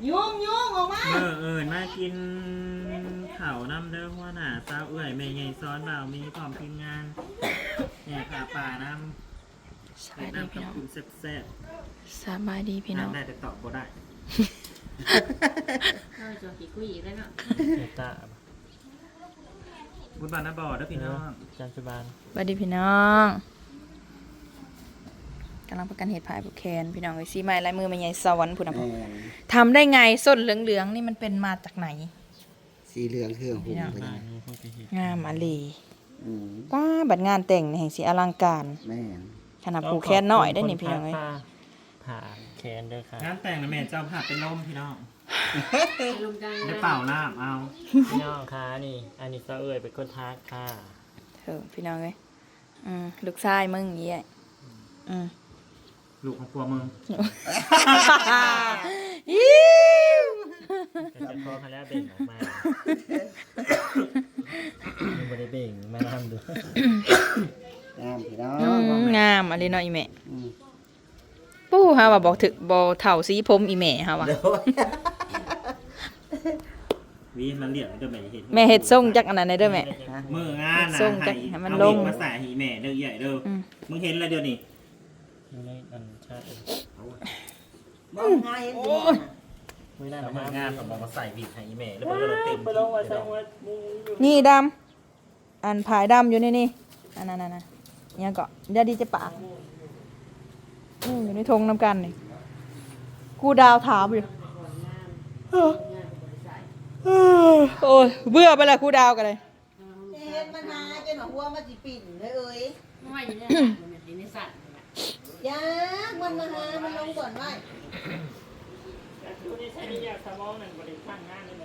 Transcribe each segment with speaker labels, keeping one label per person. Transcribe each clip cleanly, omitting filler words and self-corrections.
Speaker 1: ยุ่งออกมา
Speaker 2: มากินข้าวน้ำเด้อหัวหน้าสาวเอื้อยแม่ใหญ่ซ้อนบ่าวมีพร้อมทีมงานแห่ขาป่าน้ำ
Speaker 3: สบายดีพี่น้อง
Speaker 2: คุณแซ่บ
Speaker 3: สบายดีพี่น้อง
Speaker 2: ได้แต่ตอบบ่ได้
Speaker 1: ข้าวจะกี่กุ้ยอีกแล้วเนาะ
Speaker 4: ตา
Speaker 2: บุญบานนะบ่อเด้อพี่น้อง
Speaker 4: จันจุบาน
Speaker 3: สบายดีพี่น้องกำลังประกันเหตุภายบุกแคนพี่น้องไอ้ซีไม้ลายมือไม่ใหญ่สวรรค์พุ่นนะพ่อทำได้ไงส้นเหลืองๆนี่มันเป็นมาจากไหน
Speaker 5: สีเหลืองเครื่องหุ่มไป
Speaker 4: บ้า
Speaker 5: ได้
Speaker 4: นนี้พวกที่เห็น
Speaker 3: งามอาลี
Speaker 5: อืม
Speaker 3: ป้าบัดงานแต่งนี่แห่งสีอลังการ
Speaker 5: แม่น
Speaker 3: ขนาดผูกแคนน้อยได้นี่พี่น้องเอ้ย
Speaker 4: ผ่าแคนเด้อค่ะ
Speaker 2: งานแต่งนะแม่เจ้าภาพเป็นลมพี่น้อง
Speaker 1: ลุงจัง
Speaker 2: ได้เปล่าน้ำเอา
Speaker 4: พี่น้องค่ะนี่อันนี้ซะเอ่ยเป็นคนทักค่ะ
Speaker 3: พี่น้องเอ้ยลูกชายมึงอย่างเงี้ย
Speaker 2: ลูกของปัวมึง
Speaker 3: ยิ้ว
Speaker 4: ก็จะพอเขาแล้วเบ่งออกมายังไม่ได้เบ่งมาทำดู
Speaker 5: งามพี่น้อง
Speaker 3: งามอะไรเนาะอีแม่
Speaker 5: อืม
Speaker 3: ปู้ฮะว่าบอกถึกบ่เฒ่าสีผมอีแม่ฮะว่า
Speaker 2: วีมันเรียกเด้อแม่เห็น
Speaker 3: แม่เฮ็ดทรงจักอันนั้นได้เด้อแม่
Speaker 2: มืองานนะ
Speaker 3: ส่งจากให้มันลง
Speaker 2: เอาเด็กมาใส่ให้แม่เด้อใหญ่เด้ออ
Speaker 3: ม
Speaker 2: มึงเห็นแล้วเดี๋ยวนี้
Speaker 4: ดูในอันชาติ
Speaker 1: บอกง่ายเองดี
Speaker 4: ไม่ได้
Speaker 2: แล้ว
Speaker 4: นะ
Speaker 2: มืองานก็บอกมาใส่บีบให้แม่แล้วมันก็เลยเต็ม
Speaker 4: ไปลงมาใส่หัวมูอยู่
Speaker 3: นี่ดำอันผายดำอยู่นี่อันนั้นเนี่ยก็อย่าดีจะปากอยู่ในธงน้ำกันนี่กูดาวถามอยู่โอ้ยเบื่อไปละกูดาวกันเลย
Speaker 1: เฮ็ดมันหาจนหัวมันสิปิ่นเลยเอ้ยไม่อยู่ในมันอยู่ในสัตว์ยากมันมาหามันลงก่อนไว้
Speaker 4: ดูนี่ใช่นี่อยากสมองหนึ่งบริษัทงานนี่เลย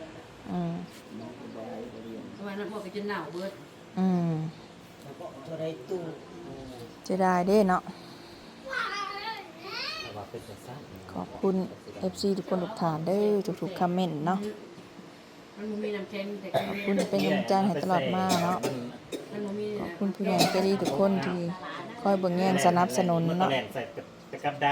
Speaker 1: วันนั้นพวกก็จะหนาวเบิด
Speaker 5: ตัวใดตู้
Speaker 3: จะได้เด้เนาะ
Speaker 4: แต่ว่าเป็นแต่สั้น
Speaker 3: ขอบคุณ FC ทุกคนทุกฐานเด้อทุกๆคอมเมนต์เนาะ
Speaker 1: มันมีน้ำเค็มแต่
Speaker 3: ขอบคุณเป็นกำลังใจให้ตลอดมาเนาะ
Speaker 1: มันมี
Speaker 3: ขอบคุณผู้ใหญ่ใจดีทุกคนที่คอยเบิ่งแย่งสนับสนุน
Speaker 2: มันก็
Speaker 3: เนาะ
Speaker 2: แหลกใส่ตะกับได้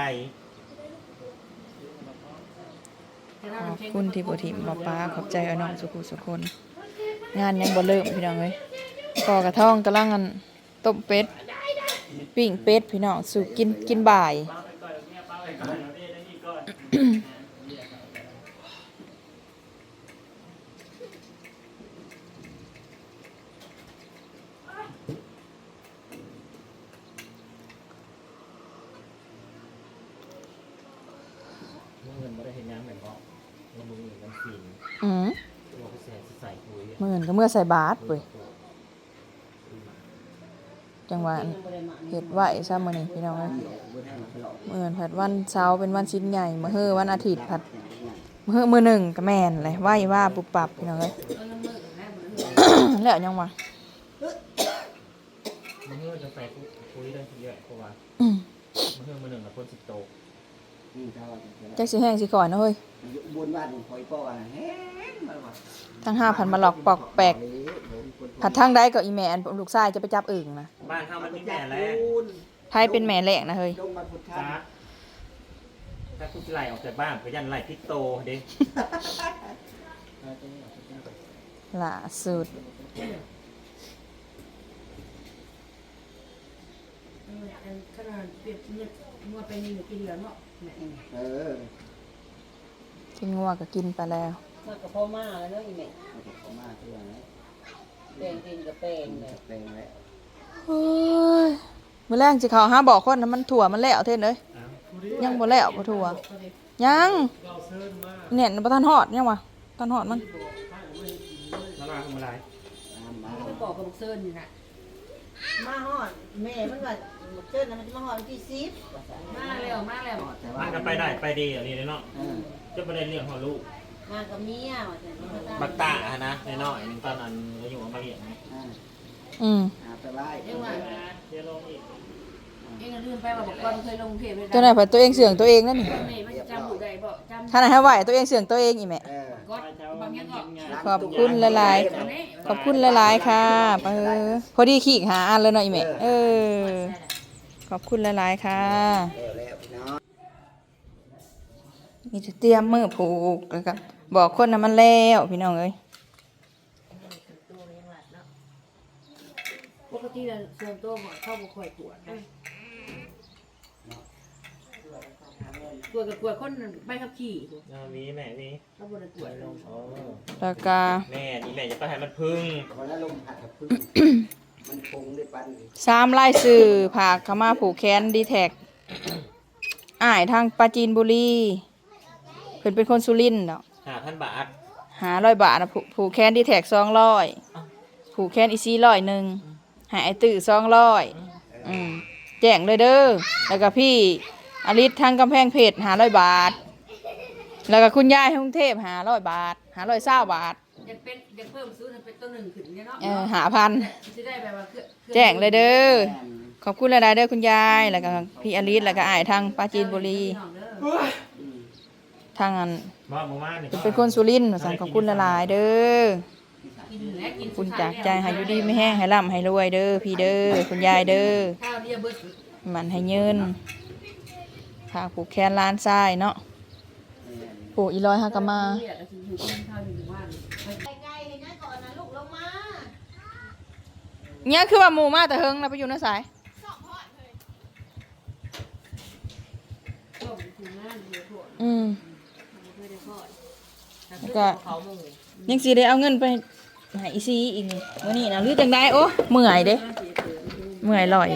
Speaker 3: ขอบคุณที่บ่ทิมมาป้าขอบใจเอาน้องสุขุสุคน งานยังบ่เริ่มพี่น้องเอ้ยก่อกระท่องกำลังอันต้มเป็ดปิ้งเป็ดพี่น้องสู่กินบ่าย
Speaker 4: เงินไม่ได้เห็นยังเหมือนเพราะเรามือมันฟิน
Speaker 3: อือ
Speaker 4: เราก็ใส่คุย
Speaker 3: มื้อนั้นก็เมื่อใส่บาตรเว้ยจังหวะเฮ็ดไหวซะมื้อนี้พี่น้องเอ้ยมื้อนั้นผัดวันเสาร์เป็นวันชิ้นใหญ่มื้อฮื้อวันอาทิตย์ผัดมื้อหนึ่งก็แม่นเลยไหวว่าปุบปับพี่น้องเอ้ย แล้วยังวะ
Speaker 4: มันเพื่อจะใส่คุยได้ทีเยอะเพราะว่ามันเพื่อมือหนึ่งกับคนสิบโต
Speaker 5: นี่เท่าไหร่
Speaker 3: จักสิแห้งสิก่อนนะเฮ้ย
Speaker 5: บุญบ้านคอยป้อนะแห้งมาว่ะ
Speaker 3: ทั้ง5,000มาหลอกปอกแปลกผัดทางใดก็อีแม่อันลูกชายจะไปจับอึ่งนะ
Speaker 2: บ้านเขามันมีแม่แล้ว
Speaker 3: ไทยเป็นแม่แหลกนะเฮ้ย
Speaker 5: ลงมาพุทธา
Speaker 2: จ้าถ้าคุณไล่ออกจากบ้านก็ยันไล่พิกโตเด้
Speaker 3: ล่าสุด
Speaker 1: ขนาดเปรียบเทียบมัวไปนี่กินเหลือเนาะ
Speaker 5: เออ
Speaker 3: กินงัวก็กินไปแล้ว
Speaker 1: มันก็พ่อมาแล้วเนาะอีแม่
Speaker 5: เขามาเพื่อนนะ
Speaker 1: แปลงดินกับแปลงเลย
Speaker 5: แปลงไว้
Speaker 3: เฮ้ยมื้อแรงสิเขาหาบอกคนนะมันถั่วมันแล้วเท่นเอ้ยยังบ่แล้วบ่ถั่วยังเนี่ยบ่ทันฮอดยังวะทันฮอดมัน
Speaker 2: แล้วมาทำอะไร
Speaker 5: มา
Speaker 1: มันบอกกับเซิร์นนี่นะมาฮอดแม่มันว่าเซิร์นมันจะมาฮอดที่10มาแล้ว
Speaker 5: แต่ว่า
Speaker 2: มันก็ไปได้ไปดีอย่างนี้เลยเนาะ
Speaker 5: เออ
Speaker 2: จะประเด็นเรื่องของลูก
Speaker 1: มากับเมียว่าจะมาตาม
Speaker 2: บักตาอะนะในน้อยหนึงตอนนั้นเราอยู่กับมาเรียน
Speaker 5: อ่า
Speaker 3: อืม
Speaker 5: ไปไหว้
Speaker 1: เองว่า
Speaker 2: เดี๋ยวลงอีก
Speaker 1: เองลืมไปว่าบอกก่อนเคยลงเทพเลย
Speaker 3: ตัวไหนผัดตัวเองเสืองตัวเองนั่นนี่
Speaker 1: แม่มันจำบุได้บ่จำ
Speaker 3: ขนาดให้ไหวตัวเองเสืองตัวเองอีแม่
Speaker 5: เออ
Speaker 1: ก็บางอย่างก็
Speaker 3: ขอบคุณหลายๆ ขอบคุณหลายๆค่ะพอดีขี้หาอันเลยเนาะอีแม่ขอบคุณหลายๆค่ะ
Speaker 5: แล้วพี่น้อง
Speaker 3: นมีแต่เตรียมมือผูกแล้วก็บอกคนน่ะมันแล้วพี่น้องเอ้ย
Speaker 1: ปกติแล้วส่วนตัวบ่เข้าบ่ค่อยตรวจนะตรวจกับตรวจคนใบขับขี่
Speaker 2: เอาวีแม่วี
Speaker 1: เขาบ่ได้ตรวจลง
Speaker 2: โอ้
Speaker 3: แล้วก็
Speaker 2: แม่นี่แม่จะไปให้มันพึ่ง
Speaker 5: คนละลมหัดกับพึ่งมันคงได้ปัน
Speaker 3: 3รายชื่อผากเข้ามาผูกแขนดีแท็กอ้ายทางปราจีนบุรีเพิ่นเป็นคนสุรินทร์เนาะ
Speaker 2: 5,000 บาท
Speaker 3: 500 บาทนะผูกแขนดีแท็ก200ผูกแขนอีซี่100นึงหาไอ้ตื้อ200แจ้งเลยเด้อแล้วก็พี่อลิศทางกำแพงเพชร500 บาท แล้วก็คุณยายที่กรุงเทพ500 บาท520 บาท
Speaker 1: อยากเพิ่มซื้อเป็นตัว1ขึ้นเนี่ยเนาะ
Speaker 3: 5,000
Speaker 1: สิได้แบบว่า
Speaker 3: แจ้งเลยเด้อขอบคุณหลายๆเด้อคุณยายแล้วก็พี่อลิศแล้วก็อ้ายทางปราจีนบุรีทางอัน
Speaker 2: บ่เมื่อวานนี่
Speaker 3: เป็นคนสุรินทร์สั่งขอบคุณหลายๆเด้อ
Speaker 1: กินและกิน
Speaker 3: คุณจากใจให้อยู่ดีไม่แห้งให้ร่ำให้รวยเด้อพี่เด้อคุณยายเด้อ
Speaker 1: ข้าวเดียวเบิด
Speaker 3: มันให้ยืนพาผูกแขนล้านทรายเนาะผูกอีร้อยฮักกะมา
Speaker 1: ไก่เห็นไหมก่อนนะลูกลงมา
Speaker 3: เนี่ยคือว่าหมู่มาแต่เฮิงนะไปอยู่ในสาย
Speaker 1: ต้มถึงงานเดี๋ยวพวก เคยได้ทอด
Speaker 3: แล้วก็ยังสิได้เอาเงินไปให้อีซีอีกนี่มื้อนี้นะหรือจังได๋โอ้เมื่อยเด้เมื่อยลอย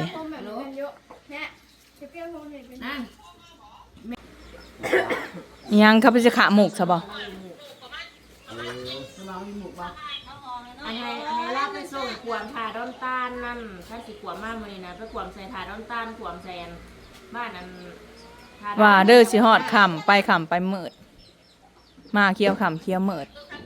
Speaker 1: นั่ง
Speaker 3: ยังเขาไปจะขาหมกซะบ่
Speaker 1: เรามีหมูปะอันไหนลาบไปส่งขวมถาดอนตาลนั่นถ้าสิขวมมากเลยนะไปขวมใส่ถาดอนตาลขวมแซนบ้านนั้น
Speaker 3: ว่าเด้อสิฮอดค่ำไปมืดมาเคี้ยวค่ำเคี้ยวมืด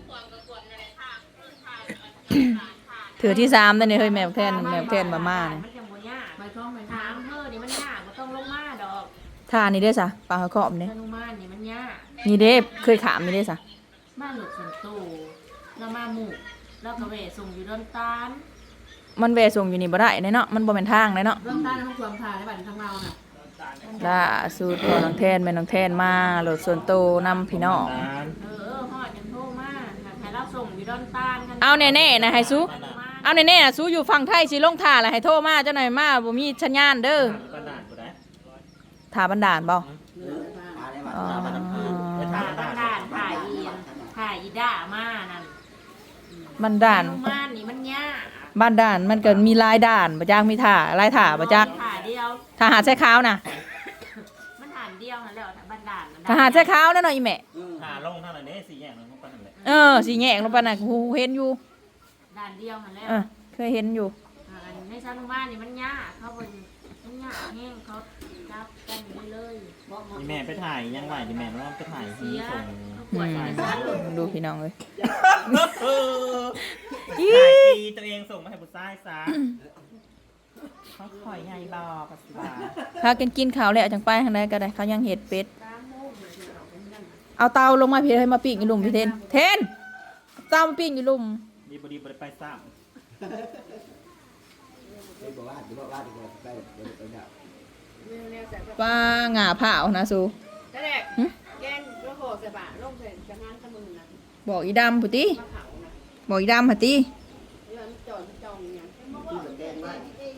Speaker 3: ถือที่3ได้นี่เฮ้ยแมวแทนมาม่านี่
Speaker 1: มันยังบ่ยากใบท้องใบถามเธอนี่มันยากบ่ต้องลงมาดอก
Speaker 3: ท่านี่เด้อซะปลาขอบนี่
Speaker 1: ธนุมานนี่มันยาก
Speaker 3: นี่เด้เคยขามนี่เด้อซะ
Speaker 1: บ้านหลุดสันโตเรามาหมู่เราก็เวส่งอยู่ดอนตาล
Speaker 3: มันแวะส่งอยู่นี่บ่ได้เด้เนาะมันบ่แม่นทางเด้เนาะ
Speaker 1: ดอนตาลของความพาในบ้านทางเราน่ะ
Speaker 3: ล่าสุดพอน้องแทนแม่น้องแทนมาโหลดส่วนโตวนำพี่น้อง
Speaker 1: ฮอดยังโทรมาให้เราส่งอยู่ดอนตาลกัน
Speaker 3: เอาแน่ๆนะให้สู้เอาแน่ๆนะสู้อยู่ฝั่งไทยสิลงท่าแล้วให้โทรมาเจ้าหน่อยมาบ่มีสัญญาณเด้อ
Speaker 2: บ้านด่านกูได้
Speaker 3: ท่าบันดาลบ่
Speaker 5: มาได้มา
Speaker 3: อ๋อ
Speaker 5: มา
Speaker 1: ถ่ายบ้านด่านถ่ายอีด่ามานั่น
Speaker 3: บันดาล
Speaker 1: ธนุมานนี่มันยาก
Speaker 3: บ้านด่านมันก็มีหลายด่านบ่จักมีท่าหลายท่าบ่จัก
Speaker 1: ถ่ายเดียว
Speaker 3: ทหารใช้ขาวนะ
Speaker 1: มันถ่ายเดียวนั่นแหละบ้านด่าน
Speaker 3: ทหารใช้ขาวนั่นหน่อยอีแม่
Speaker 2: หาลงเท่าไหร่เนี่ย4แยกลงไปนั่นแหละ
Speaker 3: สิแยกลงไปน่ะกูเห็นอยู่
Speaker 1: ด่านเดียวนั่นแหละ
Speaker 3: เคยเห็นอยู่
Speaker 1: ในธนุมานนี่มันยากเขาเป็นมันยากแห้งเขาจับกันเลย
Speaker 2: นี่แม่ไปถ่ายยังไหวดิแม่ว่าไปถ่ายที่ส่ง
Speaker 1: ปวด
Speaker 3: ดูพี่น้องเลย
Speaker 2: ถ่ายทีตัวเองส่งมาให้บุษายซะเขาคอยใหญ่บอปัสสาวะ
Speaker 3: พากันกินข้าวแล้วจังไปทางใดก็ได้เขายังเห็ดเป็ดเอาเตาลงมาพี่ให้มาปิ้งอยู่หลุมพี่เทนเตามาปิ้งอยู่หลุม
Speaker 2: ดีบดีบไปซ้
Speaker 5: ไปบอกว่าดีบอกว่าดีบอกไปไปดับ
Speaker 3: ป้าหง่าเผานะสู
Speaker 1: แต่แรกแกงกระโหกใส่บาลงใส่จะงานขมึงนะ
Speaker 3: บอกอีดำพุติ
Speaker 1: มะเผานะ
Speaker 3: บอกอีดำพุติ
Speaker 1: เรื่องจองอย่าง
Speaker 5: ที่เหมือนแดงว่า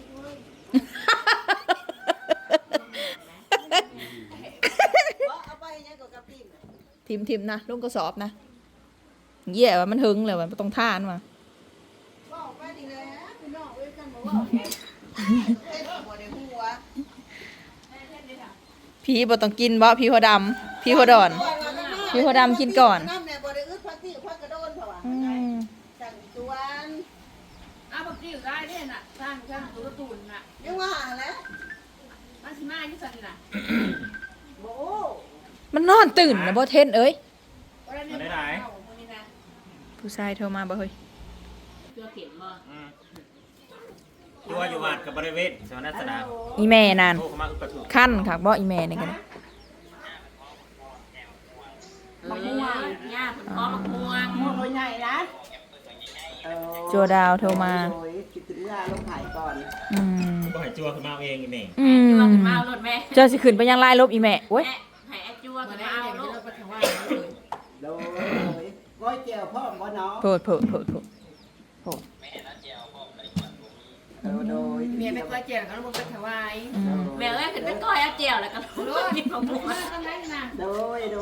Speaker 1: เอาไปเนี่ยกับกระปิ่ม
Speaker 3: ทิมนะลงกระสอบนะเยี่ยว่ามันหึงเลยว่าต้องท่านว่ะ
Speaker 1: บอกไปดีเลยนะพี่น้องเอ้ยกันบอกว่าเต้นหัวในหัว
Speaker 3: พี่บ่ต้องกินบ่พี่หัวดำพี่หัวดอนพี่หัวดำกินก่อน
Speaker 1: น้ำเนี่ยบ่ได้อึดพักที่พักกระโดนเถอะวะสั่งจวนอ้าวพักที่ได้เนี่ยน่ะสร้างตัวตุ่นน่ะยังว่าแล้วมันสิมาที่สั่นน่ะโอ้
Speaker 3: มันนอนตื่นนะบ่เทนเอ้ย
Speaker 2: ำมาได้ไหน
Speaker 3: ผู้ชายโทรมาบ่เฮ้ย
Speaker 1: เพื่อเข็มบ่
Speaker 2: ตัวอยู่วัดกับบริเวณสวรรณสนาม
Speaker 3: อีแม่นั่น
Speaker 2: โทรเข้ามาอุปถุ
Speaker 3: ขั้นค่ะบ่อีแม่นี่กัน
Speaker 1: มะม่วงย่าผลก้อมะม่วงตัวใหญ่นะ
Speaker 3: จัวดาวโทรมา
Speaker 5: โอ้ยคิดถึงเวลาลงถ่ายก่อน
Speaker 3: อืม
Speaker 2: ก็ให้จัวขึ้นมาเอาเองอีแม่
Speaker 1: จัวขึ้นมาเอารถแม่
Speaker 3: เจ้าสิขึ้นไปยังไล่ลบอีแม่โอ้ย
Speaker 1: ให้ไอ้จัวขึ้นมาเอารถ
Speaker 5: ก้อยแก้วพ่อบ่เนาะ
Speaker 3: โพด
Speaker 5: โดย
Speaker 1: เมียไปก้อยเจียวแล้วก็ลงไปถวาย
Speaker 3: อืม
Speaker 1: แม่เอ้ยขึ้นไปก้อยเอาเจียวแล้วก็รู้นี่ของหมูทำไมนะ
Speaker 5: โดยบ่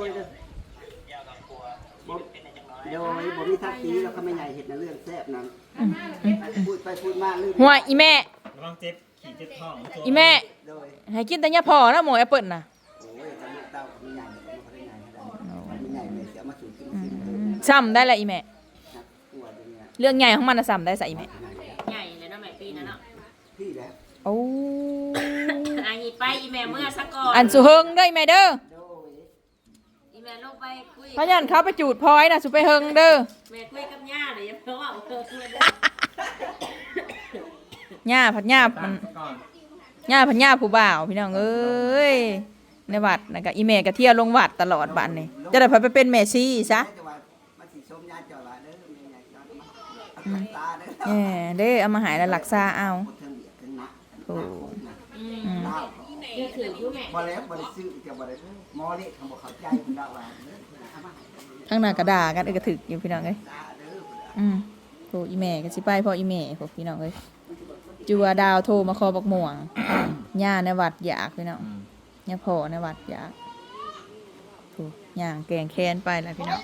Speaker 5: มีทักษีแล้วเขาไม่ใหญ่เห็ดในเรื่องแซ่บนั้นพูดไปพูดมาลืม
Speaker 3: หัวอีแม่
Speaker 2: ระวังเจ็บขี่เจ็บท้อง
Speaker 3: อีแม่
Speaker 5: โดย
Speaker 3: ให้กินแต่ยาพอนะหมอแอปเปิลน่ะ
Speaker 5: โอ้ยจะลูกเต้าไม่ใหญ่ไม่ใหญ่ไม่ใหญ่เลยเสียมาสู่กินกิน
Speaker 3: ซ้ำได้ละอีแม่
Speaker 5: ตัวเนี้ย
Speaker 3: เรื่องใหญ่ของมันน่ะซ้ำได้ใส่อีแม่
Speaker 1: ใหญ่เลยเนาะแม่ปีนั้นเนาะ
Speaker 5: พี่แล้ว
Speaker 3: โอ้
Speaker 1: อันนี้ไปอีแม่เมื่อสักก่อน
Speaker 3: อันสุเฮิงเด้ออีแม่เด้อ
Speaker 5: โดย
Speaker 1: อีแม่ลงไปคุย
Speaker 3: พะยันเขาไปจูดพลอยน่ะสุไปเฮิงเด้อ
Speaker 1: แม่คุยกับย่าเลยเพราะว่า
Speaker 3: ย่าผัดย่ามัน
Speaker 2: ก่อน
Speaker 3: ย่าผัดย่าผู้บ่าวพี่น้องเอ้ยในวัดนะก็อีแม่ก็เที่ยวลงวัดตลอดบัดนี้จะได้ไปเป็นแม่ชีซะ
Speaker 5: แต่ว่ามันสิชมญาติเจ้าละเด้อไม่ใหญ่ย้อนมาตาเด้อ
Speaker 3: เด้อเอามาหายแล้วหลักษาเอา
Speaker 5: เทิงเบียดเทิงนัก
Speaker 3: โอ้
Speaker 5: ลาว
Speaker 1: เดี๋ยวถืออยู่แม่
Speaker 5: บ่แล้วบ่ได้ซื้อจะบ่ได้มอเละเขาบ่เข้าใจคุณดาวว่าเด้อเอามาให้
Speaker 3: ทั้งหน้ากระดากันก็ถึกอยู่พี่น้องเอ้ย
Speaker 5: ตาเด้อ
Speaker 3: โอ้อีแม่ก็สิไปพ่ออีแม่พวกพี่น้องเอ้ยจัวดาวโทรมาขอบักม่วงย่าในวัดอยากพี่น้องย่าพ่อในวัดอยากโอ้ย่างแกงแค้นไปแล้วพี่น้อง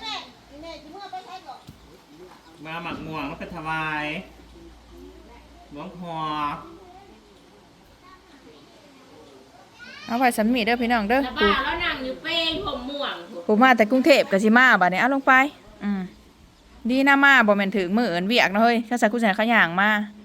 Speaker 2: มาหมักม่วงมาเป็นถวายหลวงพ่อ
Speaker 3: เอาไว้สำมีเด้อพี่น้องเด้อ
Speaker 1: แล้วบ้าแล้วนั่งอยู่เป้งผมม่วง
Speaker 3: ผมมาแต่กรุงเทพก็สิมาบัดนี้เอาลงไปดีนะมาบ่แม่นถึงมื้อเอิ้นเวียกนะเฮ้ยถ้าใส่กูใส่ขะย่างมา